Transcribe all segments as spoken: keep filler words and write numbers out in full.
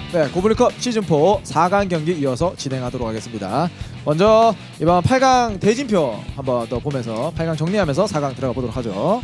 네, 고블린컵 시즌사 사 강 경기 이어서 진행하도록 하겠습니다. 먼저 이번 팔 강 대진표 한번 더 보면서 팔 강 정리하면서 사 강 들어가 보도록 하죠.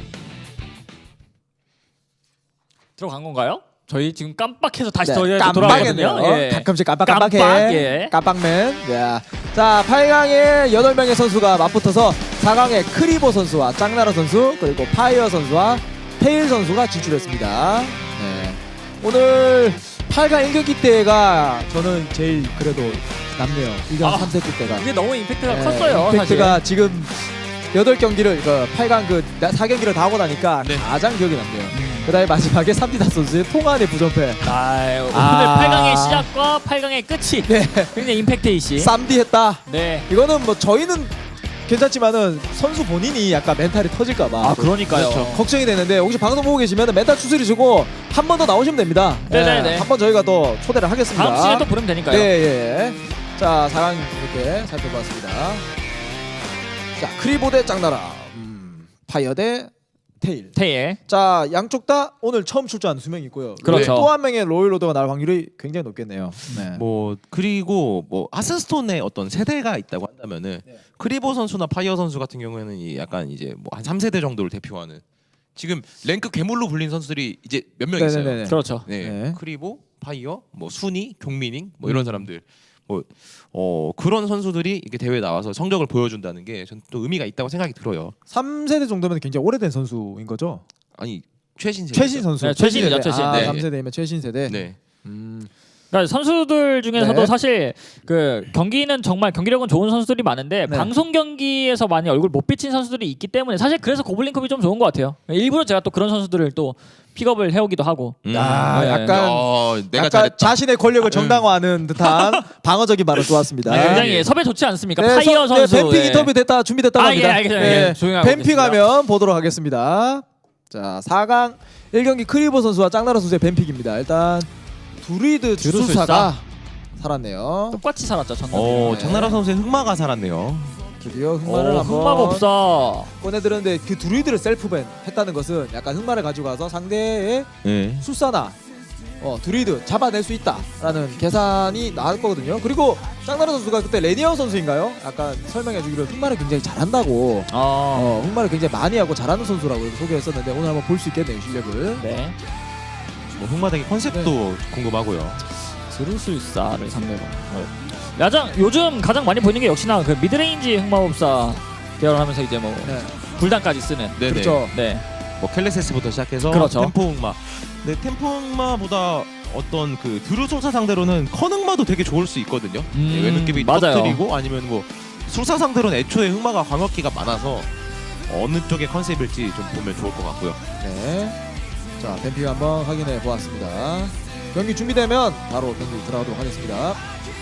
들어간 건가요? 저희 지금 깜빡해서 다시 네, 더 돌아가거든요. 깜빡했네요. 예. 가끔씩 깜빡깜빡해. 깜빡, 예. 깜빡맨. 야. 자, 팔 강에 여덟 명의 선수가 맞붙어서 사 강에 크리보 선수와 짱나라 선수 그리고 파이어 선수와 테일 선수가 진출했습니다. 네. 오늘 팔 강 일 경기 때가 저는 제일 그래도 남네요. 일 강 아, 삼 세트 때가. 이게 너무 임팩트가 네, 컸어요. 임팩트가 사실. 지금 여덟 경기를 그 팔 강 그 사 경기를 다 하고 나니까 네. 가장 기억에 남네요. 음. 그다음에 마지막에 삼디다 선수의 통안의 부전패. 아, 오늘 아. 팔 강의 시작과 팔 강의 끝이 네. 굉장히 임팩트 이시. 쌈디 했다. 네. 이거는 뭐 저희는 괜찮지만은 선수 본인이 약간 멘탈이 터질까봐 아, 그러니까요. 그렇죠. 걱정이 되는데 혹시 방송 보고 계시면 멘탈 추스리 주고 한 번 더 나오시면 됩니다. 네네네. 한 번 저희가 더 초대를 하겠습니다. 다음 시즌에 또 부르면 되니까요. 네, 예. 자, 사 강 이렇게 살펴봤습니다. 자, 크리보 대 짱나라, 음, 파이어 대 테일. 테일. 자, 양쪽 다 오늘 처음 출전한 두 명 있고요. 그렇죠. 또 한 명의 로열 로더가 날 확률이 굉장히 높겠네요. 네. 뭐 그리고 뭐 하스스톤의 어떤 세대가 있다고 한다면은 네. 크리보 선수나 파이어 선수 같은 경우에는 이 약간 이제 뭐 한 삼 세대 정도를 대표하는 지금 랭크 괴물로 불린 선수들이 이제 몇 명 있어요. 네네네. 그렇죠. 네. 네. 크리보, 파이어, 뭐 순이, 경민잉 뭐 이런 사람들 뭐 어 그런 선수들이 이렇게 대회에 나와서 성적을 보여준다는 게 전 또 의미가 있다고 생각이 들어요. 삼 세대 정도면 굉장히 오래된 선수인 거죠? 아니 최신 세대. 최신 선수. 네, 최신이죠, 최신. 아, 네. 삼 세대이면 최신 세대. 네. 음. 그러니까 선수들 중에서도 네. 사실 그 경기는 정말 경기력은 좋은 선수들이 많은데 네. 방송 경기에서 많이 얼굴 못 비친 선수들이 있기 때문에 사실 그래서 고블린컵이 좀 좋은 것 같아요. 일부러 제가 또 그런 선수들을 또 픽업을 해오기도 하고. 음. 아, 네. 약간 어, 내가 약간 잘했다. 자신의 권력을 정당화하는 듯한 방어적인 발언 좋았습니다. 네. 굉장히 섭외 좋지 않습니까? 네, 파이어 서- 선수. 네, 뱀픽 예. 인터뷰 됐다 준비됐다고 아, 합니다. 예, 알겠습니다. 예, 조용히 하고 뱀픽 있겠습니다. 하면 보도록 하겠습니다. 자, 사 강 일 경기 크리보 선수와 짱나라 선수의 뱀픽입니다. 일단 두리드 두루술사. 주술사가 살았네요. 똑같이 살았죠. 전남. 어 네. 장나라 선수의 흑마가 살았네요. 드디어 흑마를 오, 한번 흑마법사. 꺼내들었는데 그 두리드를 셀프밴 했다는 것은 약간 흑마를 가지고 가서 상대의 네. 술사나 어, 두리드 잡아낼 수 있다라는 계산이 나올 거거든요. 그리고 짱나라 선수가 그때 레니어 선수인가요? 약간 설명해주기로 흑마를 굉장히 잘한다고 어. 어, 흑마를 굉장히 많이 하고 잘하는 선수라고 소개했었는데 오늘 한번 볼 수 있겠네요, 실력을. 네. 뭐 흑마대기 컨셉도 궁금하고요. 드루술사를 상대로. 야장 요즘 가장 많이 보이는 게 역시나 그 미드레인지 흑마법사 계열하면서 이제 뭐 네. 불단까지 쓰는. 네네. 그렇죠. 네. 뭐 켈레세스부터 시작해서 그렇죠. 템포 흑마. 근데 템포 흑마보다 어떤 그 드루술사 상대로는 컨 흑마도 되게 좋을 수 있거든요. 음, 네, 외느낌이 맞아요. 터뜨리고 아니면 뭐 술사 상대로는 애초에 흑마가 광역기가 많아서 어느 쪽의 컨셉일지 좀 보면 좋을 것 같고요. 네. 자, 뱀픽 한번 확인해 보았습니다. 경기 준비되면 바로 경기 들어가도록 하겠습니다.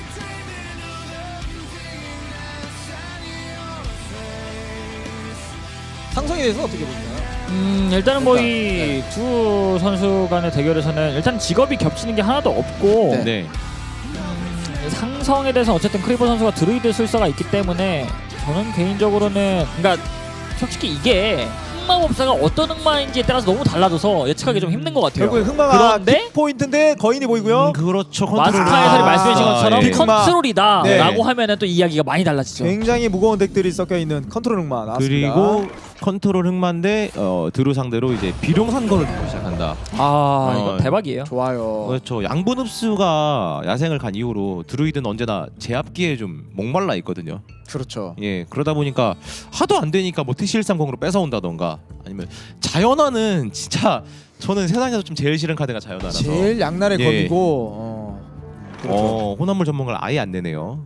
상성에 대해서 어떻게 보시나요? 음, 일단은 뭐 일단, 이 두 선수 간의 대결에서는 일단 직업이 겹치는 게 하나도 없고 네. 네. 음, 상성에 대해서 어쨌든 크리보 선수가 드루이드 술사가 있기 때문에 저는 개인적으로는 그러니까 솔직히 이게 흑마법사가 어떤 흑마인지에 따라서 너무 달라져서 예측하기 좀 힘든 것 같아요. 결국에 흑마가 그런데 포인트인데 거인이 보이고요. 음, 그렇죠. 마스터 컨트롤. 해설이 아, 말씀해주신 것처럼 예. 컨트롤이다 네. 라고 하면은 또 이야기가 많이 달라지죠. 굉장히 무거운 덱들이 섞여 있는 컨트롤 흑마 나왔습니다. 그리고 컨트롤 흑마인데 어, 드루 상대로 이제 비룡산거를 두고 시작한다. 아 이거 어, 대박이에요. 좋아요. 그렇죠. 양분 흡수가 야생을 간 이후로 드루이드는 언제나 제압기에 좀 목말라 있거든요. 그렇죠. 예, 그러다 보니까 하도 안 되니까 뭐 티씨백삼십으로 뺏어온다던가 아니면 자연화는 진짜 저는 세상에서 좀 제일 싫은 카드가 자연화라서 제일 양날의 예. 검이고 어, 그렇죠. 어, 호남물 전문가를 아예 안 내네요.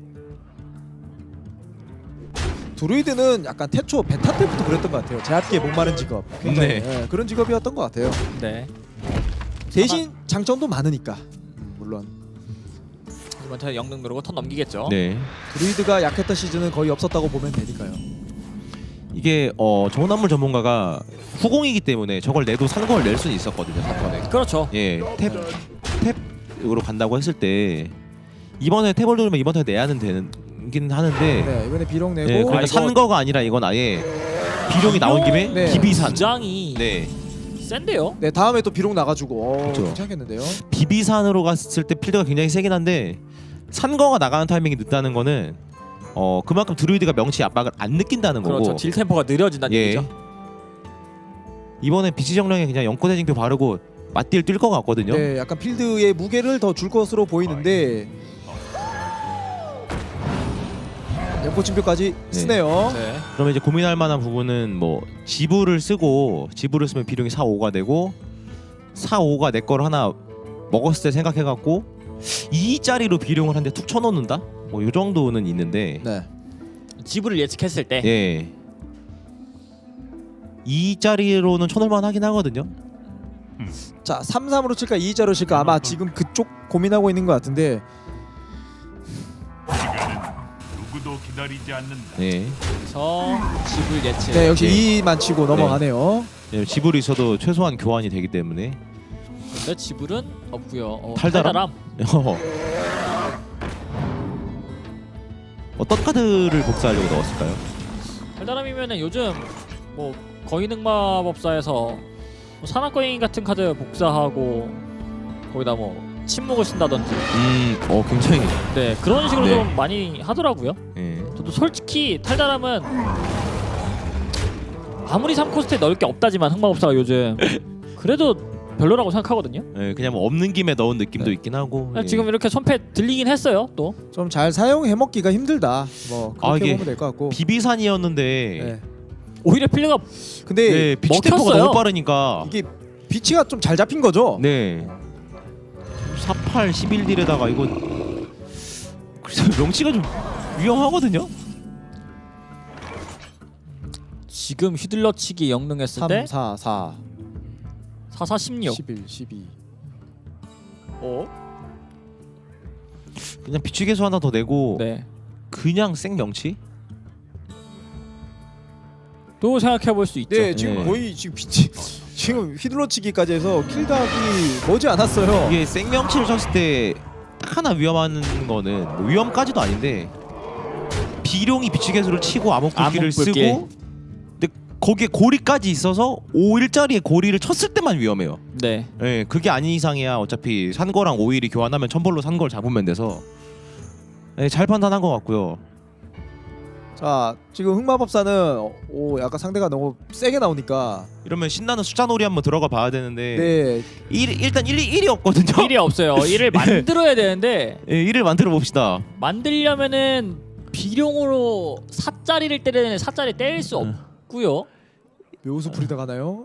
드루이드는 약간 태초 베타 때부터 그랬던 것 같아요. 제압기에 목마른 직업. 굉장히 네. 예, 그런 직업이었던 것 같아요. 네. 대신 장점도 많으니까 음, 물론 이번 턴에 영능 누르고 턴 넘기겠죠. 네. 드루이드가 약했던 시즌은 거의 없었다고 보면 되니까요. 이게 어, 호남물 전문가가 후공이기 때문에 저걸 내도 산거를 낼 수는 있었거든요. 사턴에. 그렇죠. 예, 탭 탭으로 간다고 했을 때 이번에 탭을 누르면 이번 턴에 내야는 되긴 하는데 네, 이번에 비록 내고 예, 그러니까 아, 이거- 산 거가 아니라 이건 아예 비룡이 나온 김에 네. 기비산. 부장이 네. 센데요. 네, 다음에 또 비록 나가지고 어, 그렇죠. 괜찮겠는데요. 비비산으로 갔을 때 필드가 굉장히 세긴 한데 산거가 나가는 타이밍이 늦다는 거는 어 그만큼 드루이드가 명치 압박을 안 느낀다는 거고. 그렇죠. 딜 템포가 느려진다는 예. 얘기죠. 이번에 비치 정령에 그냥 연코 대징표 바르고 맞딜 뛸 것 같거든요. 네, 약간 필드의 무게를 더 줄 것으로 보이는데 연포침표까지 쓰네요. 네. 그러면 이제 고민할 만한 부분은 뭐 지불을 쓰고 지불을 쓰면 비룡이 사, 오가 되고 사, 오가 내 거를 하나 먹었을 때 생각해갖고 이짜리로 비룡을 한 대 툭 쳐놓는다? 뭐 이 정도는 있는데 네. 지불을 예측했을 때 예 이짜리로는 쳐놓을만 하긴 하거든요. 자, 삼 삼으로 칠까 이 자로 칠까 아마 지금 그쪽 고민하고 있는 것 같은데 누구도 기다리지 않는다. 예 그래서 지불 예측. 네, 역시 예. 이만 치고 넘어가네요. 왜냐면 지불이 있어도 최소한 교환이 되기 때문에. 근데 지불은 없고요. 어, 달달함? 어. 어떤 카드를 복사하려고 넣었을까요? 달달함이면은 요즘 뭐 거인흑마법사에서 뭐 산악거인 같은 카드 복사하고 거기다 뭐 침묵을 쓴다든지 음, 어 굉장히. 네 그런 식으로 네. 좀 많이 하더라고요. 예. 저도 솔직히 탈달함은 아무리 삼 코스트에 넣을 게 없다지만 흑마법사가 요즘 그래도 별로라고 생각하거든요. 예, 그냥 뭐 없는 김에 넣은 느낌도 네. 있긴 하고. 예. 지금 이렇게 손패 들리긴 했어요. 또 좀 잘 사용해 먹기가 힘들다. 뭐 그렇게 아, 이게 보면 될 것 같고. 비비산이었는데. 네. 오히려 필드가 근데 네, 비치 템포가 먹혔어요. 너무 빠르니까. 이게 비치가 좀 잘 잡힌 거죠. 네. 사팔 십일 딜에다가 이거 그래서 명치가 좀 위험하거든요. 지금 휘둘러치기 영능했을 때 삼, 사, 사, 사사 십육. 십일, 십이. 어? 그냥 비치 개수 하나 더 내고 네. 그냥 생 명치? 또 생각해 볼 수 있죠. 네, 지금 네. 거의 지금 비치 지금 휘둘러치기까지 해서 킬각이 머지 않았어요. 이게 생명치를 쳤을 때 딱 하나 위험한 거는 뭐 위험까지도 아닌데 비룡이 비치 개수를 치고 암흑불길을 암흑불길. 쓰고 근데 거기에 고리까지 있어서 오일짜리의 고리를 쳤을 때만 위험해요. 네. 예, 그게 아닌 이상이야 어차피 산거랑 오일이 교환하면 천벌로 산 걸 잡으면 돼서 예, 잘 판단한 것 같고요. 자, 지금 흑마법사는 오 약간 상대가 너무 세게 나오니까 이러면 신나는 숫자놀이 한번 들어가 봐야 되는데 네, 일, 일단 일이 일이 없거든요. 일이 없어요. 일을 만들어야 되는데 예, 일을 만들어 봅시다. 만들려면은 비룡으로 사짜리를 때리는 사짜리 때릴 수 없고요. 묘수 부리다 가나요?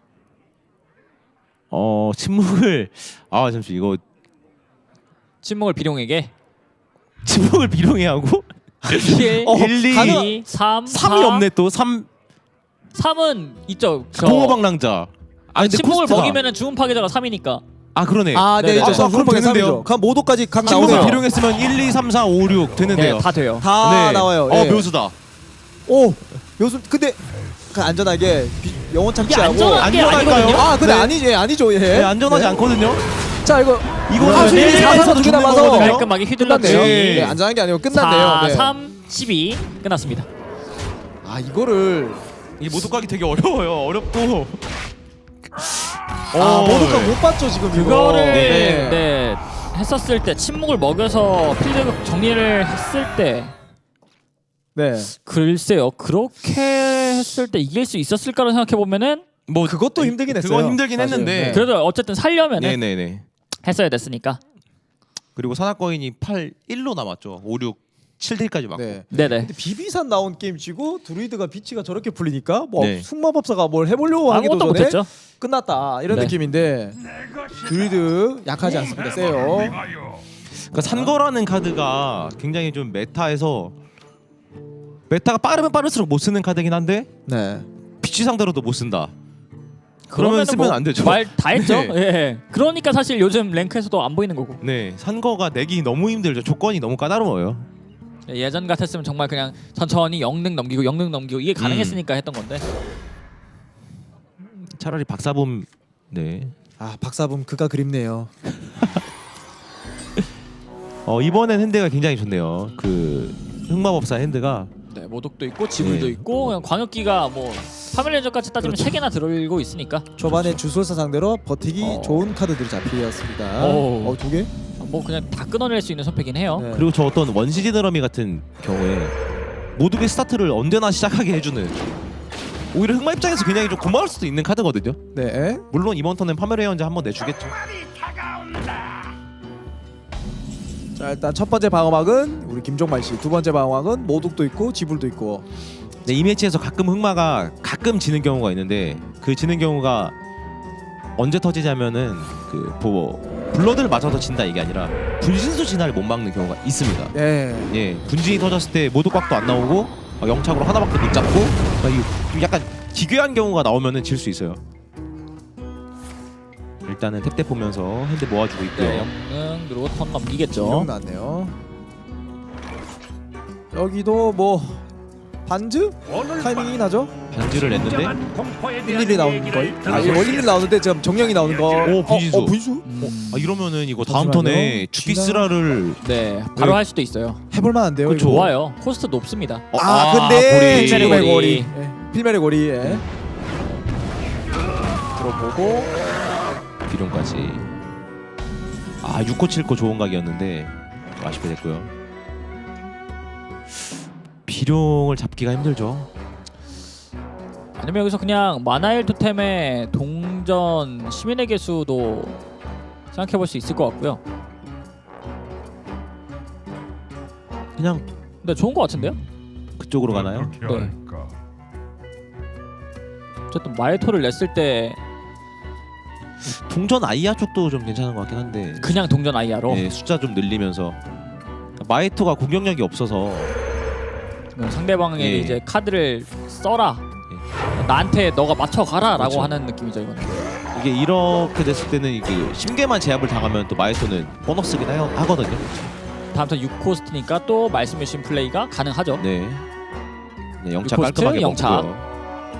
어 침묵을 아 잠시 이거 침묵을 비룡에게 침묵을 비룡해 하고 일, 어, 일, 이, 가능- 삼, 삼이 사, 없네 또 삼 삼은 있죠. 저 공허방랑자. 아 근데 침묵을 코스트가- 먹이면은 주문 파괴자가 삼이니까. 아 그러네. 아, 네, 네네. 이제 아, 저 그럼 후방에 되는데요. 삼이죠. 각 모도까지 각 침묵을 나오네요. 비룡했으면 일, 이, 삼, 사, 오, 육 되는데요. 네, 다 돼요. 다 나와요. 어 예. 묘수다. 오, 묘수. 근데 그 안전하게 비, 영원 이게 착지하고 안전한 게 안전할까요? 아니거든요. 아, 근데 네. 아니지, 예, 아니죠, 예. 네, 안전하지 네. 않거든요. 자, 이거 이거는 아, 수일이 일, 사, 사, 일에서 두개 죽는 남아서 거거든요. 깔끔하게 끝났네요. 휘둘렀지. 네. 네, 안전한 게 아니고 끝났네요. 사, 네. 삼, 십이 끝났습니다. 아, 이거를 이 모독하기 되게 어려워요. 어렵고. 아, 어, 모도가 네. 못 봤죠, 지금 이거. 그거를 네. 네. 했었을 때 침묵을 먹여서 필드 정리를 했을 때 네. 글쎄요 그렇게 했을 때 이길 수 있었을까를 생각해 보면은 뭐 그것도 힘들긴 했어요. 그건 힘들긴 사실. 했는데. 네. 그래도 어쨌든 살려면은 네네네. 했어야 됐으니까. 그리고 산악거인이 팔, 일로 남았죠. 오, 육, 칠 딜까지 맞고. 네. 네네. 근데 비비산 나온 게임치고 드루이드가 비치가 저렇게 풀리니까 뭐 네. 숙마법사가 뭘 해보려고 하기도 아무것도 전에 못했죠. 끝났다 이런 네. 느낌인데 드루이드 약하지 않습니다. 세요. 그러니까 산거라는 카드가 굉장히 좀 메타에서 메타가 빠르면 빠를수록 못 쓰는 카드긴 한데 네. 비치 상대로도 못 쓴다. 그러면은 그러면 쓰면 뭐 안 되죠. 말 다 했죠. 네. 예. 그러니까 사실 요즘 랭크에서도 안 보이는 거고. 네, 산거가 내기 너무 힘들죠. 조건이 너무 까다로워요. 예전 같았으면 정말 그냥 천천히 영능 넘기고 영능 넘기고 이게 가능했으니까 했던 건데. 차라리 박사범 네. 아, 박사범 그가 그립네요. 어 이번엔 핸드가 굉장히 좋네요. 그 흑마법사 핸드가 네, 모독도 있고 지불도 네. 있고 그냥 광역기가 뭐 파밀리언즈까지 따지면 그렇죠. 세 개나 들어올고 있으니까 초반에 주술사 상대로 버티기 어. 좋은 카드들이 잡히었습니다. 오. 어, 두 개? 뭐 그냥 다 끊어낼 수 있는 선택이긴 해요. 네. 그리고 저 어떤 원시지 드러미 같은 경우에 모두의 스타트를 언제나 시작하게 해주는 오히려 흑마 입장에서 굉장히 좀 고마울 수도 있는 카드거든요. 네. 물론 이번 턴엔 파메레언즈 한번 내주겠죠. 자, 일단 첫 번째 방어막은 우리 김종만 씨, 두 번째 방어막은 모독도 있고 지불도 있고. 네, 이 매치에서 가끔 흑마가 가끔 지는 경우가 있는데 그 지는 경우가 언제 터지냐면은 그 뭐 블러드를 맞아서 진다 이게 아니라 분신수 진화를 못 막는 경우가 있습니다. 예. 예, 분진이 터졌을 때 모독각도 안 나오고 막 영착으로 하나밖에 못 잡고 막 이- 좀 약간 기괴한 경우가 나오면은 질 수 있어요. 일단은 탭탭 보면서 핸드 모아주고 있고요. 네, 영능 그리고 턴 넘기겠죠. 기억 났네요. 여기도 뭐 반즈 타이밍이 나죠? 반지를 냈는데 일일이 나오는 걸. 아, 이게 원일이 나오는데 지금 정령이 나오는 거. 오, 분신수. 어, 어, 분신수? 음, 아, 이러면은 이거 다음 잠시만요. 턴에 주피스라를 네, 바로 네. 할 수도 있어요. 해볼 만한데요. 그거 이거. 좋아요. 코스트 높습니다. 어, 아, 아, 근데 고리. 지금의 고리. 고리. 예. 필메의 고리. 예. 들어보고 비룡까지. 아, 육 코 칠 코 좋은 각이었는데 아쉽게 됐고요. 비룡을 잡기가 힘들죠. 아니면 여기서 그냥 마나일 토템의 동전 시민의 개수도 생각해 볼 수 있을 것 같고요. 그냥 근데 좋은 것 같은데요? 그쪽으로 가나요? 네. 어쨌든 마에토를 냈을 때 동전 아이아 쪽도 좀 괜찮은 것 같긴 한데 그냥 동전 아이아로 네, 숫자 좀 늘리면서 마에토가 공격력이 없어서 그럼 상대방에게 예. 이제 카드를 써라. 나한테 너가 맞춰가라라고 그렇죠. 하는 느낌이죠 이거는. 이게 이렇게 됐을 때는 이게 심계만 제압을 당하면 또 마에토는 보너스긴 하, 하거든요. 다음 턴 육 코스트니까 또 말씀해주신 플레이가 가능하죠. 네, 네 영차 육 코스트, 깔끔하게 영차. 먹고요.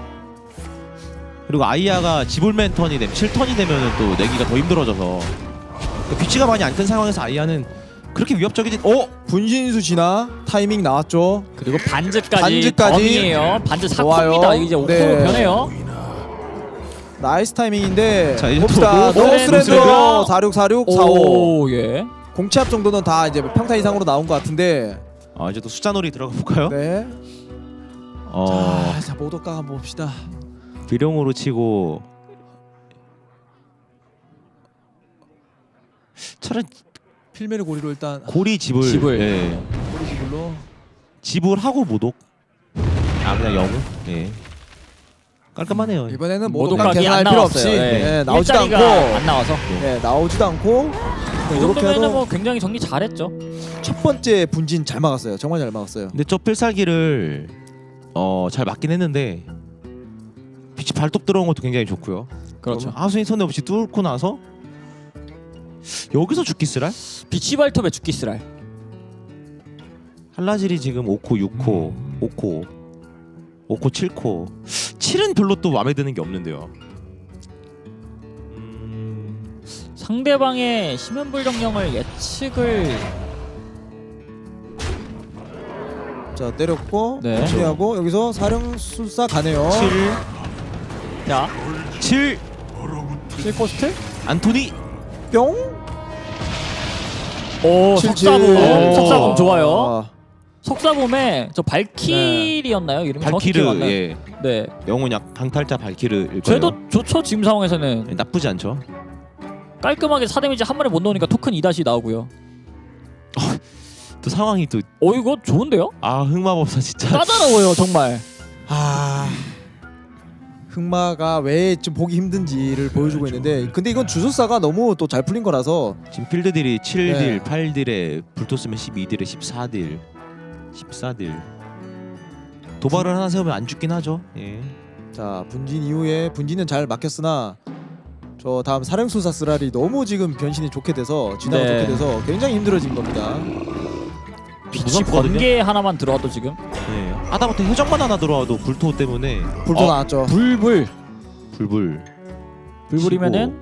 그리고 아이아가 지불맨 턴이 되면 칠 턴이 되면은 또 내기가 더 힘들어져서 비치가 많이 안 큰 상황에서 아이아는 그렇게 위협적이진. 어? 분신수 진화 타이밍 나왔죠. 그리고 반즈까지 반즈까지. 범이에요. 반즈 좋아요. 사코입니다. 이제 오 코로 네. 변해요. 나이스 타이밍인데 자, 이제 봅시다. 또 노- 노스랜드 노스랜드. 사육 사육 사오 오 예. 공치압 정도는 다 이제 평타 이상으로 나온 것 같은데. 아 이제 또 숫자놀이 들어가 볼까요? 네. 어 자, 자 모독가 한번 봅시다. 비룡으로 치고 차라리 필메르 고리로 일단 고리 지불. 지불. 예. 고리 지불로. 지불하고 모독. 아 그냥 영웅. 예. 깔끔하네요. 이번에는 모독 모독각이 계산할 안 필요 나왔어요. 없이 예. 네, 나오지도 않고 일자리가 안 나와서. 네, 나오지도 않고 이 이렇게 정도면은 해도 뭐 굉장히 정리 잘했죠. 첫 번째 분진 잘 막았어요. 정말 잘 막았어요. 근데 저 필살기를 어 잘 맞긴 했는데 빛이 발톱 들어온 것도 굉장히 좋고요. 그렇죠. 하수인 손해 없이 뚫고 나서 여기서 죽기 쓰랄? 비치 발톱에 죽기 쓰랄. 한라질이 지금 오 코, 육 코, 오 코, 오 코, 칠 코. 칠은 별로 또 마음에 드는 게 없는데요. 음... 상대방의 심연불정령을 예측을 자 때렸고 네. 정리하고 여기서 사령술사 가네요. 자 칠, 칠 코스트. 안토니. 뿅. 오 칠칠. 석사붐. 오. 석사붐 좋아요. 아, 석사붐에 저 발키리였나요? 이름이 정확히 기억 안 발키르. 나요. 예. 네. 영혼 약 강탈자 발키르일 거예요. 그래도 좋죠. 지금 상황에서는 예, 나쁘지 않죠. 깔끔하게 사 데미지 한 번에 못 넣으니까 토큰 이 다시 나오고요. 또 상황이 또 어 이거 좋은데요? 아 흑마법사 진짜. 까다로워요 정말. 아 흑마가 왜 좀 보기 힘든지를 보여주고 있는데 근데 이건 주술사가 너무 또 잘 풀린 거라서 지금 필드딜이 칠 딜, 네. 팔 딜에 불토스면 십이 딜에 십사 딜, 십사 딜. 도발을 하나 세우면 안 죽긴 하죠. 예. 자 분진 이후에 분진은 잘 막혔으나 저 다음 사령술사 쓰라리 너무 지금 변신이 좋게 돼서 진화가 네. 좋게 돼서 굉장히 힘들어진 겁니다. 빛이 무섭거든요. 번개 하나만 들어와도 지금 예. 하다못해 해적만 하나 들어와도 불토 때문에 불도 어, 나왔죠. 불불 불불 불불이면은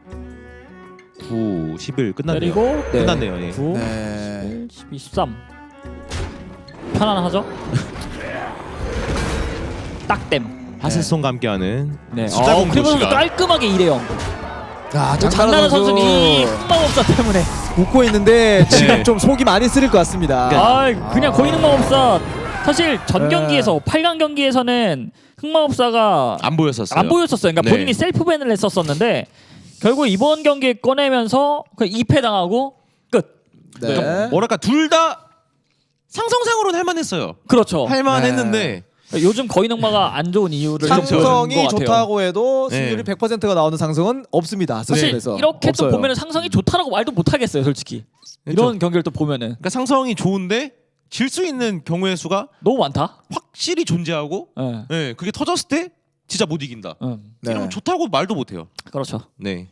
구, 십일 끝났네요. 때리고 네. 끝났네요. 예. 구, 네. 십일, 십이, 십삼 편안하죠? 딱댐 하세송과 함께하는 네. 숫자 어, 공부 크리보 선수 시간. 깔끔하게 이 대 영. 자, 장나라 선수는 이 흑마법사 때문에 웃고 있는데 지금 네. 좀 속이 많이 쓰릴 것 같습니다. 아 그냥 거인 흑마법사 사실 전 네. 경기에서 팔 강 경기에서는 흑마법사가 안 보였었어요. 안 보였었어요. 그러니까 네. 본인이 셀프 밴을 했었었는데 결국 이번 경기에 꺼내면서 그 이 패 당하고 끝. 네. 그러니까 뭐랄까 둘 다 상성상으로는 할만했어요. 그렇죠. 할만했는데 요즘 거인 흑마가 안 좋은 이유를 좀 보여준 상성이 것 같아요. 좋다고 해도 네. 승률이 백 퍼센트가 나오는 상승은 없습니다. 사실 하스스톤에서. 이렇게 없어요. 또 보면은 상성이 좋다라고 말도 못 하겠어요, 솔직히. 그렇죠. 이런 경기를 또 보면은 그러니까 상성이 좋은데 질 수 있는 경우의 수가 너무 많다. 확실히 존재하고, 예. 네, 그게 터졌을 때 진짜 못 이긴다. 음, 네. 이러면 좋다고 말도 못해요. 그렇죠. 네.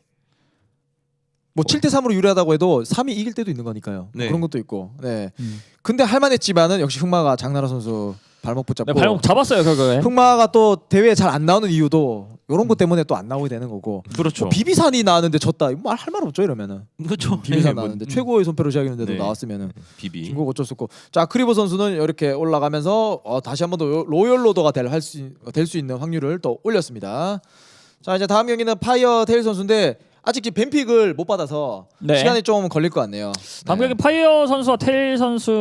뭐 칠 대 삼으로 유리하다고 해도 삼이 이길 때도 있는 거니까요. 네. 그런 것도 있고. 네. 음. 근데 할만했지만은 역시 흑마가 장나라 선수 발목 붙잡고 네, 발목 잡았어요, 결국에. 흑마가 또 대회에 잘 안 나오는 이유도 이런 것 때문에 또 안 나오게 되는 거고. 그렇죠. 뭐 비비산이 나왔는데 졌다. 말 할 말 없죠 이러면은. 그렇죠. 비비산 네, 뭐, 나왔는데 음. 최고의 손패로 시작했는데도 네. 나왔으면은 비비. 중국 어쩔 수 없고. 자 크리보 선수는 이렇게 올라가면서 어, 다시 한 번 더 로열 로더가 될 수 될 수 있는 확률을 또 올렸습니다. 자 이제 다음 경기는 파이어 테일 선수인데 아직 지금 뱀픽을 못 받아서 네. 시간이 좀 걸릴 것 같네요. 다음 네. 경기 파이어 선수와 테일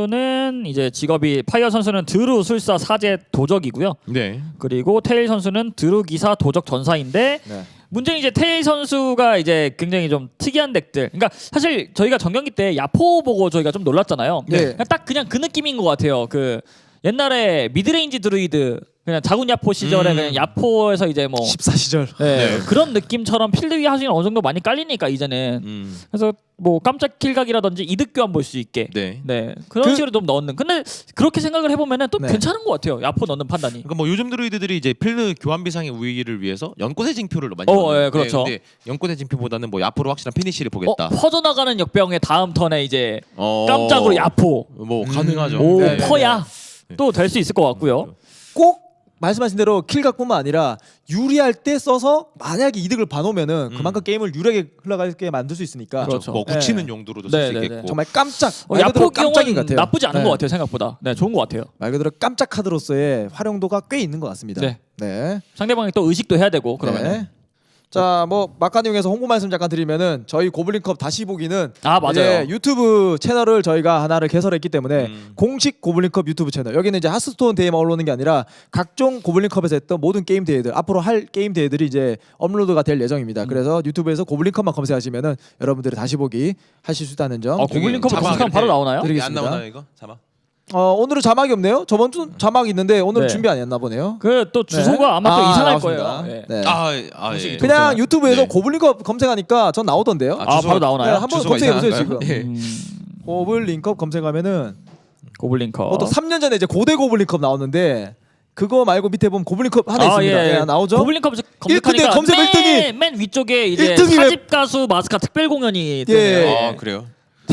선수는 이제 직업이 파이어 선수는 드루 술사 사제 도적이고요. 네. 그리고 테일 선수는 드루 기사 도적 전사인데 네. 문제는 이제 테일 선수가 이제 굉장히 좀 특이한 덱들. 그러니까 사실 저희가 전경기 때 야포 보고 저희가 좀 놀랐잖아요. 네. 그냥 딱 그냥 그 느낌인 것 같아요. 그 옛날에 미드레인지 드루이드 그냥 자군 야포 시절에 음. 그냥 야포에서 이제 뭐 십사 시절. 네, 네. 그런 느낌처럼 필드 위 하수는 어느 정도 많이 깔리니까 이제는 음. 그래서 뭐 깜짝 킬각이라든지 이득 교환 볼 수 있게 네. 네 그런 그- 식으로 좀 넣는. 근데 그렇게 생각을 해보면은 또 네. 괜찮은 것 같아요. 야포 넣는 판단이. 그러니까 뭐 요즘 드루이드들이 이제 필드 교환 비상의 우위를 위해서 연꽃의 징표를 많이 어, 넣어요. 예, 그렇죠. 네, 근데 연꽃의 징표보다는 뭐 앞으로 확실한 피니시를 어, 보겠다. 퍼져나가는 역병의 다음 턴에 이제 어, 깜짝으로 야포, 뭐 가능하죠. 오 네. 퍼야 네. 또 될 수 있을 것 같고요. 꼭 말씀하신 대로 킬각뿐만 아니라 유리할 때 써서 만약에 이득을 봐놓으면은 음. 그만큼 게임을 유리하게 흘러가게 만들 수 있으니까 그렇죠. 뭐 네. 굳히는 용도로도 네, 쓸 수 네, 있겠고. 네. 정말 깜짝 어, 말 그대로 야포 깜짝인 것 경우는 같아요. 나쁘지 않은 네. 것 같아요. 생각보다. 네, 좋은 것 같아요. 말 그대로 깜짝 카드로서의 활용도가 꽤 있는 것 같습니다. 네. 네. 상대방이 또 의식도 해야 되고 그러면. 네. 자, 뭐 막간용에서 홍보 말씀 잠깐 드리면은 저희 고블린컵 다시 보기는 아 맞아요. 이제 유튜브 채널을 저희가 하나를 개설했기 때문에 음. 공식 고블린컵 유튜브 채널 여기는 이제 하스스톤 대회만 올라오는 게 아니라 각종 고블린컵에서 했던 모든 게임 대회들 앞으로 할 게임 대회들이 이제 업로드가 될 예정입니다. 음. 그래서 유튜브에서 고블린컵만 검색하시면은 여러분들이 다시 보기 하실 수 있다는 점. 아, 고블린컵 자막 검색하면 바로 이렇게 나오나요? 드리겠습니다. 안 나오나요 이거? 자막. 어, 오늘은 자막이 없네요. 저번 주 자막 있는데 오늘은 네. 준비 안 했나 보네요. 그 또 주소가 네. 아마 또 아, 이상할 나왔습니다. 거예요. 예. 네. 아, 아 예. 그냥 유튜브에서 네. 고블린컵 검색하니까 전 나오던데요. 아, 바로 나오나요? 네, 한번 주소가 검색해 보세요 이상한가요? 지금. 예. 음, 고블린컵 검색하면은 고블린컵. 보통 삼 년 전에 이제 고대 고블린컵 나왔는데 그거 말고 밑에 보면 고블린컵 하나 아, 있습니다. 예, 예. 네, 나오죠? 고블린컵 일 검색하니까 근데 검색 맨, 일 등이 맨 위쪽에 이제 일 등이 왜- 사집 가수 마스카 특별 공연이 예. 뜨네요. 아 그래요?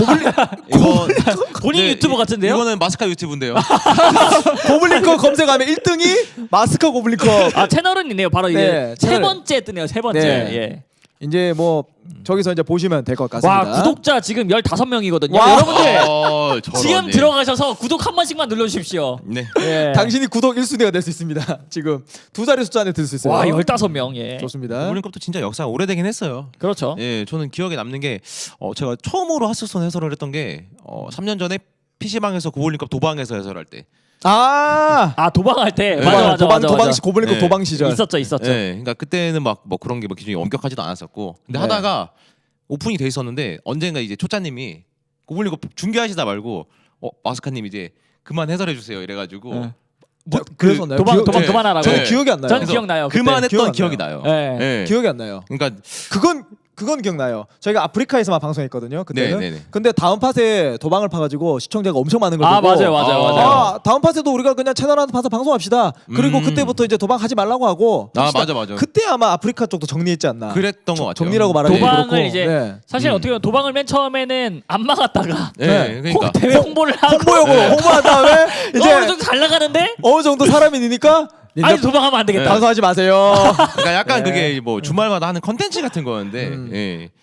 이거 본인 네, 유튜버 이- 같은데요? 이거는 마스카 유튜브인데요. 고블린컵 검색하면 일 등이 마스커 고블린컵. 아 채널은 있네요. 바로 이제 네, 세 채널. 번째 뜨네요. 세 번째. 네. 예. 이제 뭐 저기서 이제 보시면 될 것 같습니다. 와 구독자 지금 열다섯 명이거든요. 와. 여러분들 어, 저런, 지금 예. 들어가셔서 구독 한 번씩만 눌러주십시오. 네. 예. 당신이 구독 일 순위가 될 수 있습니다. 지금 두 자리 숫자 안에 들 수 있어요. 와 열다섯 명. 예. 좋습니다. 고블린컵도 진짜 역사가 오래되긴 했어요. 그렇죠. 예, 저는 기억에 남는 게 어, 제가 처음으로 하스스톤 해설을 했던 게 어, 삼 년 전에 피시방에서 고블린컵 도방에서 해설할 때. 아 아 도방할 때 네. 맞아 도방, 맞아 도방 맞아 도방 맞아. 시 고블린컵 네. 도방 시절. 있었죠 있었죠. 예, 그러니까 그때는 막 뭐 그런 게 뭐 기준이 엄격하지도 않았었고. 근데 네. 하다가 오픈이 돼 있었는데 언젠가 이제 초짜님이 고블린컵 중계하시다 말고 어, 마스카님 이제 그만 해설해 주세요 이래가지고 네. 뭐, 그랬었나요? 도방 기억- 도방 네. 그만하라고. 저는 네. 기억이 안 나요. 전 그래서 기억나요. 그때. 그만했던 기억 안 기억이 나요. 나요. 예. 예. 기억이 안 나요. 그러니까 그건 그건 기억나요. 저희가 아프리카에서만 방송했거든요. 그때는. 네, 네, 네. 근데 다음 팟에 도방을 파가지고 시청자가 엄청 많은 걸 아 보고 맞아요 맞아요 아, 맞아요. 아, 다음 팟에도 우리가 그냥 채널 하나 봐서 방송합시다. 그리고 음. 그때부터 이제 도방하지 말라고 하고. 아 합시다. 맞아 맞아. 그때 아마 아프리카 쪽도 정리했지 않나. 그랬던 것 같아요. 정리라고 말하기 도방을 그렇고. 이제 네. 사실 음. 어떻게 보면 도방을 맨 처음에는 안 막았다가 예, 네. 그러니까 호- 대회 홍보를 하고 홍보용으로 네. 홍보한 다음에 이제 이제 어느 정도 잘 나가는데 어느 정도 사람이 니니까 아니 도방하면 안 되겠다. 방송하지 마세요. 그러니까 약간 네. 그게 뭐 주말마다 하는 컨텐츠 같은 거였는데 음. 예.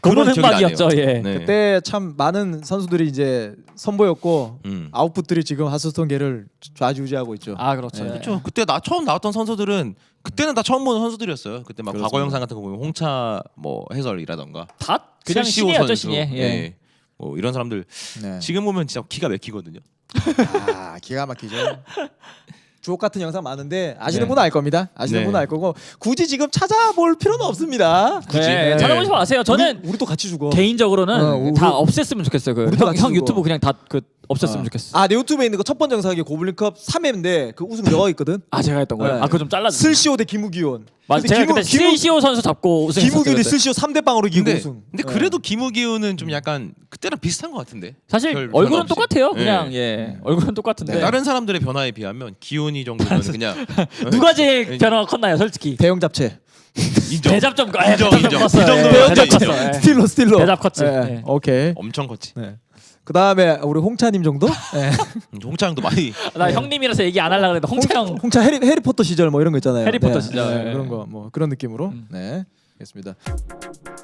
보는 기억이 나네요. 흑막이었죠. 예. 네. 그때 참 많은 선수들이 이제 선보였고 음. 아웃풋들이 지금 하스스톤계를 좌지우지하고 있죠. 아 그렇죠. 네. 예. 그렇죠. 그때 나 처음 나왔던 선수들은 그때는 다 처음 보는 선수들이었어요. 그때 막 그렇습니다. 과거 영상 같은 거 보면 홍차 뭐 해설이라던가 다 그냥 슬시오 신이었죠 선수, 신예. 예. 예. 뭐 이런 사람들 네. 지금 보면 진짜 기가 막히거든요. 아 기가 막히죠. 주옥 같은 영상 많은데 아시는 네. 분은 알 겁니다. 아시는 네. 분은 알 거고 굳이 지금 찾아볼 필요는 없습니다. 네. 네. 찾아보지 마세요. 저는 우리, 우리도 같이 죽어. 개인적으로는 어, 우리- 다 없앴으면 좋겠어요. 그 우리도 형, 같이 형 죽어. 유튜브 그냥 다 그 없앴으면 어. 좋겠어. 아 내 유튜브에 있는 거 첫 번째 영상이 고블린컵 삼 회인데 그 우승 여가 있거든. 아 제가 했던 거예요. 네. 아 그거 좀 잘라. 슬시오 대 김우기온. 맞아. 근데 제가 김우- 그때 김우- 슬시오 선수 잡고 우승했었어요. 김우기온이 그때. 슬시오 삼 대 빵으로 이기고 근데, 우승. 근데 네. 그래도 김우기훈은 좀 약간 그때랑 비슷한 것 같은데. 사실 별 얼굴은 변화 없이. 똑같아요. 네. 그냥 예 얼굴은 똑같은데 네. 다른 사람들의 변화에 비하면 기훈이 정도는 그냥 누가 제일 네. 변화가 컸나요, 솔직히? 대형 잡채. 인정. 대잡 좀 아, 인정, 대잡 좀 인정. 컸어요. 그 정도면 예, 대잡 대잡 인정. 컸어요. 예. 스틸러 스틸러. 대잡 컸지. 네. 예. 오케이. 엄청 컸지. 네. 그 다음에 우리 홍차님 정도? 네. 홍차형도 많이 나 형님이라서 얘기 안 하려고 그랬는데 홍차형 홍차 해리, 해리포터 시절 뭐 이런 거 있잖아요. 해리포터 네. 시절. 네. 그런 거 뭐 그런 느낌으로. 음. 네. 알겠습니다.